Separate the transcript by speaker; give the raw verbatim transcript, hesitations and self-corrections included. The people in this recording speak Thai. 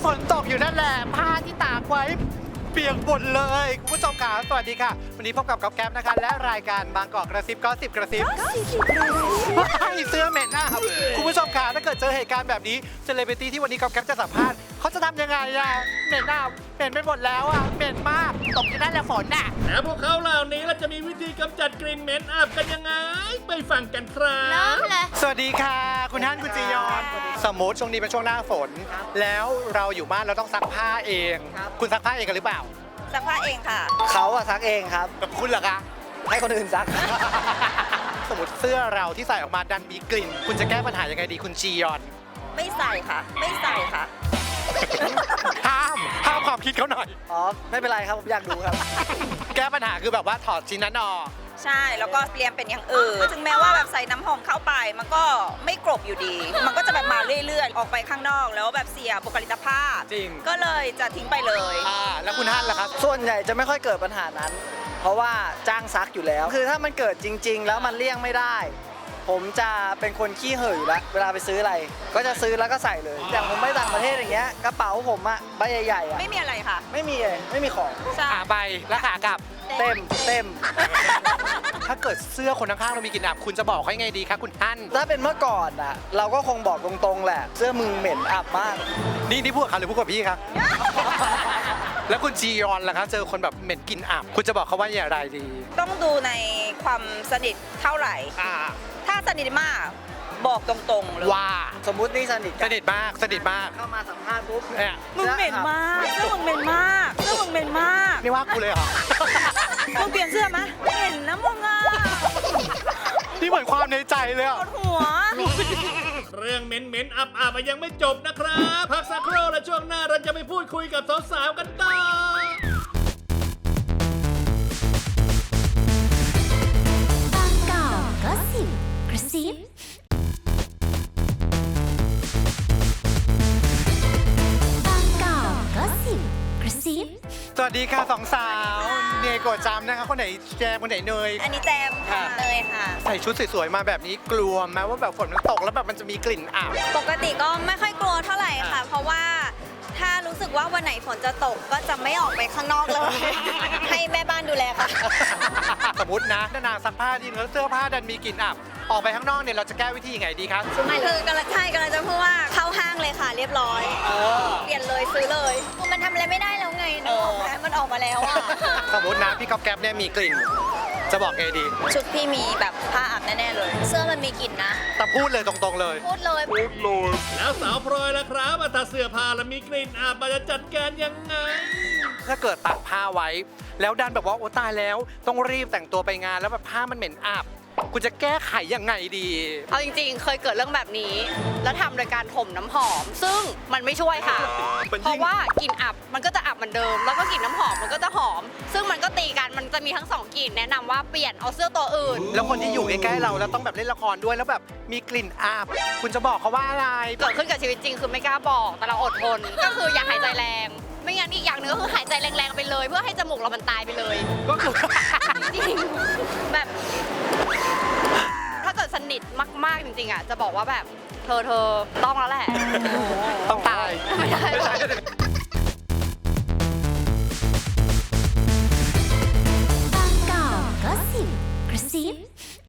Speaker 1: ฝนตกอยู่นั่นแหละผ้าที่ตากไว้เปียกหมดเลยคุณผู้ชมค่ะสวัสดีค่ะวันนี้พบกับก๊อฟแก๊ปนะคะและรายการบางกอกกระซิบก็สิบกระซิบเสื้อเหม็นนะครับคุณผู้ชมค่ะถ้าเกิดเจอเหตุการณ์แบบนี้เซเลบริตี้ที่วันนี้ก๊อฟแก๊ปจะสัมภาษณ์เขาจะทำยังไงอะเหม็นอ่ะเหม็นไปหมดแล้วอะเหม็นมากตกอยู่นั่นแหละฝนน่ะ
Speaker 2: แล้วพวกเขาเหล่านี้เราจะมีวิธีกำจัดกลิ่นเหม็นอับกันยังไงไปฟังกันครับ
Speaker 3: เริ่มเลย
Speaker 1: สวัสดีค่ะคุณท่านคุณจียอนสมมติช่วงนี้เป็นช่วงหน้าฝน แล้วเราอยู่บ้านเราต้องซักผ้าเอง คุณซักผ้าเองกันหรือเปล่า
Speaker 3: ซักผ้าเองค่ะ
Speaker 4: เขาอะซักเองครับ
Speaker 1: แบบคุณเหรอคะ
Speaker 4: ให้คนอื่นซัก
Speaker 1: สมมติเสื้อเราที่ใส่ออกมาดันมีกลิ่น คุณจะแก้ปัญหายังไงดีคุณจียอน
Speaker 3: ไม่ใส่ค่ะ ไม่ใส่ค่ะ
Speaker 1: ห้ามห้ามความคิดเขาหน่อย
Speaker 4: อ๋อ ไม่เป็นไรครับ ผมอยากดูครับ
Speaker 1: แก้ปัญหาคือแบบว่าถอดชิ้นนั้นออก
Speaker 3: ใช่แล้วก็เปลี่ยนเป็นอย่างอื่นถึงแม้ว่าแบบใส่น้ำหอมเข้าไป มันก็ไม่กรบอยู่ดี มันก็จะแบบมาเรื่อยๆ ออกไปข้างนอกแล้วแบบเสียบุคลิกภาพ
Speaker 1: จริง
Speaker 3: ก็เลยจะทิ้งไปเลย
Speaker 1: อ่าแล้วคุณฮั่นล่ะครับ
Speaker 4: ส่วนใหญ่จะไม่ค่อยเกิดปัญหานั้น เพราะว่าจ้างซักอยู่แล้ว คือถ้ามันเกิดจริง ๆ แล้วมันเลี่ยงไม่ได้ ผมจะเป็นคนขี้เห่ออยู่แล้วเวลาไปซื้ออะไร ก็จะซื้อแล้วก็ใส่เลย อย่างผมไปต่างประเทศอย่างเงี้ย กระเป๋าผมอะใบใหญ่ๆอะ
Speaker 3: ไม่มีอะไรค่ะ
Speaker 4: ไม่มีเลยไม่มีของ
Speaker 3: ใช่
Speaker 1: ขาไปแล้วขากลับ
Speaker 4: เต็มเต็ม
Speaker 1: ถ้าเกิดเสื้อคนข้างๆเรามีกลิ่นอับคุณจะบอกเขายังไงดีครับคุณฮั่น
Speaker 4: ถ้าเป็นเมื่อก่อนอะเราก็คงบอกตรงๆแหละ เสื้อมึงเหม็นอับมาก
Speaker 1: นี่นี่พูดกับเขาหรือพูดกับพี่ครับ แล้วคุณจียอนล่ะครับเจอคนแบบเหม็นกลิ่นอับ คุณจะบอกเขาว่าอย่างไรดี
Speaker 3: ต้องดูในความสนิทเท่าไหร่
Speaker 1: อ่า
Speaker 3: ถ้าสนิทมากบอกตรงๆเลย
Speaker 1: ว่า
Speaker 4: สมมุตินี่สนิท
Speaker 1: ส
Speaker 4: กัน
Speaker 1: นิทมากสนิทมาก
Speaker 4: เข้ามาสัมภาษณ์ปุ๊บ
Speaker 1: เนี่ย
Speaker 3: มึงเหม็นมากเสื้อมึงเหม็นมากเสื้อมึงเหม็นมาก
Speaker 1: นี่ว่ากูเลยเหรอ
Speaker 3: มึงเปลี่ยนเสื้อไหมเหม็นนะมึงอ่ะ
Speaker 1: นี่เหมือนความในใจเลย
Speaker 3: ป
Speaker 1: อ่ะ
Speaker 3: วดหัว
Speaker 2: เรื่องเหม็นเหม็นอับอับยังไม่จบนะครับพักสักครู่และช่วงหน้าเราจะไปพูดคุยกับสาวๆกันต่อ
Speaker 5: บางกอกก็สิบกระซิบางกอกก็สิบกระซิบ
Speaker 1: สวัสดีค่ะสองสาวเนโกะจำนะคะคนไหนแจมคนไหนเนย
Speaker 3: อันนี้แจมค่ะ
Speaker 1: ค่ะ
Speaker 3: เลยค่ะ
Speaker 1: ใส่ชุดสวยๆมาแบบนี้กลัวไหมว่าแบบฝนมันตกแล้วแบบมันจะมีกลิ่นอับ
Speaker 3: ปกติก็ไม่ค่อยกลัวเท่าไหร่ค่ะ
Speaker 1: อ่ะ
Speaker 3: เพราะว่าถ้ารู้สึกว่าวันไหนฝนจะตกก็จะไม่ออกไปข้างนอกเลย ให้แม่บ้านดูแลค่ะ
Speaker 1: สมมตินะนานๆซักผ้าดีแล้วเสื้อผ้าดันมีกลิ่นอับ ออกไปข้างนอกเนี่ยเราจะแก้วิธียังไงดีครับ
Speaker 3: คือกำลังใช่กำลังจะพูดว่าเข้าห้างเลยค่ะ เรียบร้อย เปลี่ยนเลยซื้อเลยคือมันทำอะไรไม่ได้แล้วไงนึกออกไหมมันออกมาแล้วอะ
Speaker 1: สมมตินะพี่ก๊อฟแก๊ปเนี่ยมีกลิ่น จะบอกไงดี
Speaker 3: ชุดพี่มีแบบผ้าอาบแน่ๆเลย เสื้อมันมีกลิ่นนะ
Speaker 1: แต่พูดเลยตรงๆเลย
Speaker 3: พูดเลย
Speaker 2: แล้วสาวพลอยล่ะครับถ้าเสื้อผ้าแล้วมีกลิ่นอับมันจะจัดการยังไง
Speaker 1: ถ้าเกิดตากผ้าไว้ แล้วดันแบบว่าโอ้ตายแล้ว ต้องรีบแต่งตัวไปงานแล้วแบบผ้ามันเหม็นอับ คุณจะแก้ไขยังไงดี
Speaker 6: เอาจริงๆ เคยเกิดเรื่องแบบนี้ แล้วทำโดยการถมน้ำหอม ซึ่งมันไม่ช่วยค่ะ
Speaker 1: มันยิ่ง
Speaker 6: เพราะว่ากลิ่นอับมันก็จะอับเหมือนเดิม แล้วก็กลิ่นน้ำหอมมันก็จะหอม ซึ่งมันก็ตีกัน มันจะมีทั้งสองกลิ่นแนะนำว่าเปลี่ยนเอาเสื้อตัวอื่น
Speaker 1: แล้วคนที่อยู่ใกล้ๆเราแล้วต้องแบบเล่นละครด้วยแล้วแบบมีกลิ่นอับ คุณจะบอกเขาว่าอะไร
Speaker 6: เกิดขึ้นกับชีวิตจริงคือไม่กล้าบอก แต่เราอดทน ก็คืออย่าหายใจแรง ไม่งั้นอีกอย่างหนึงก็คือหายใจแรงๆไปเลย เพื่อให้จมูกเรามันตายไปเลย
Speaker 1: ก็คือ
Speaker 6: จริงแบบ ถ้าเกิดสนิทมากๆจริงๆอ่ะจะบอกว่าแบบเธอเธอต้องแล้วแหละ
Speaker 1: ต้องตาย
Speaker 6: ไม่ได้
Speaker 1: ไม่ใช่
Speaker 5: บางกอกก็สิบกระซิบ